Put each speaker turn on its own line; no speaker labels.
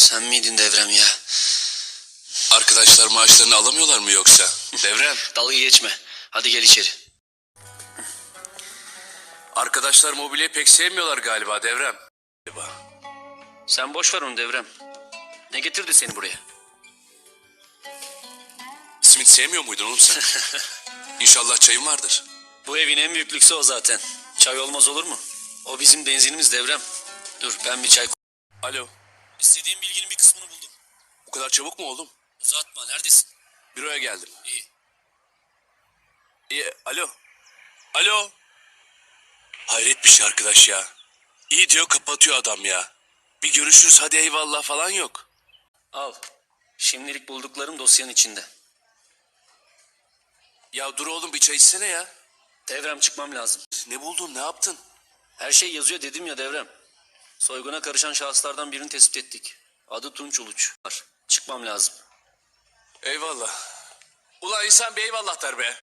Sen miydin Devrem ya?
Arkadaşlar maaşlarını alamıyorlar mı yoksa? Devrem.
Dalga geçme. Hadi gel içeri.
Arkadaşlar mobilyayı pek sevmiyorlar galiba Devrem.
Sen boş ver onu Devrem. Ne getirdi seni buraya?
Simit sevmiyor muydun oğlum sen? İnşallah çayın vardır.
Bu evin en büyük lüksü o zaten. Çay olmaz olur mu? O bizim benzinimiz Devrem. Dur ben bir çay...
Alo.
İstediğim bilginin bir kısmını buldum.
Bu kadar çabuk mu oğlum?
Uzatma, neredesin?
Büroya geldim.
İyi.
İyi. Alo. Alo. Hayret bir şey arkadaş ya. İyi diyor kapatıyor adam ya. Bir görüşürüz hadi eyvallah falan yok.
Al. Şimdilik bulduklarım dosyanın içinde.
Ya dur oğlum bir çay içsene ya.
Devrem çıkmam lazım.
Ne buldun ne yaptın?
Her şey yazıyor dedim ya Devrem. Soyguna karışan şahıslardan birini tespit ettik. Adı Tunç Uluç. Çıkmam lazım.
Eyvallah. Ulan insan bir eyvallah der be.